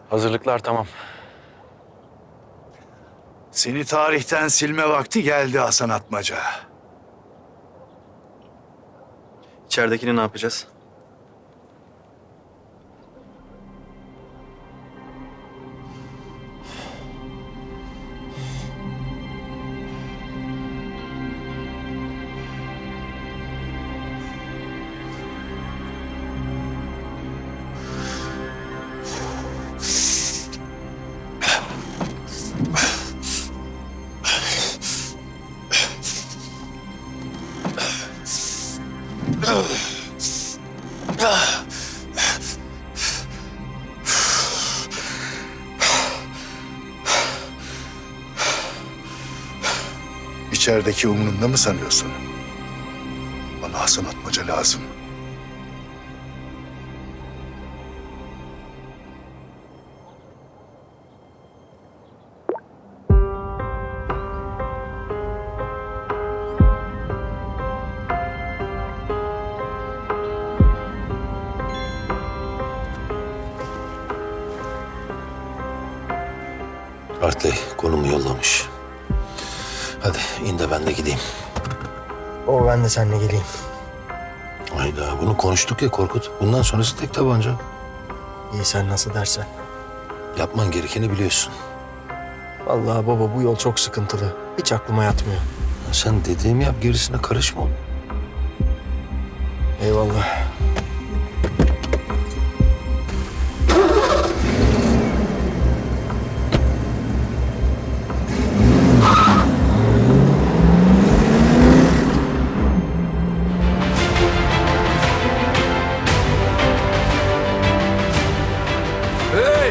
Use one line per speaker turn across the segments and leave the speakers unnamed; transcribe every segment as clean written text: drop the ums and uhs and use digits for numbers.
Hazırlıklar tamam.
Seni tarihten silme vakti geldi Hasan Atmaca.
İçeridekini ne yapacağız?
İçerideki umrunda mı sanıyorsun? Bana Hasan Atmaca lazım.
Hartley konumu yollamış. Hadi in de ben de gideyim.
Ben de seninle geleyim.
Hayda bunu konuştuk ya Korkut. Bundan sonrası tek tabanca.
İyi sen nasıl dersen.
Yapman gerekeni biliyorsun.
Vallahi baba bu yol çok sıkıntılı. Hiç aklıma yatmıyor.
Sen dediğimi yap gerisine karışma.
Eyvallah.
Hey!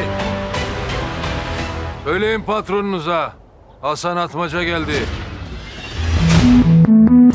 Söyleyin patronunuza. Hasan Atmaca geldi.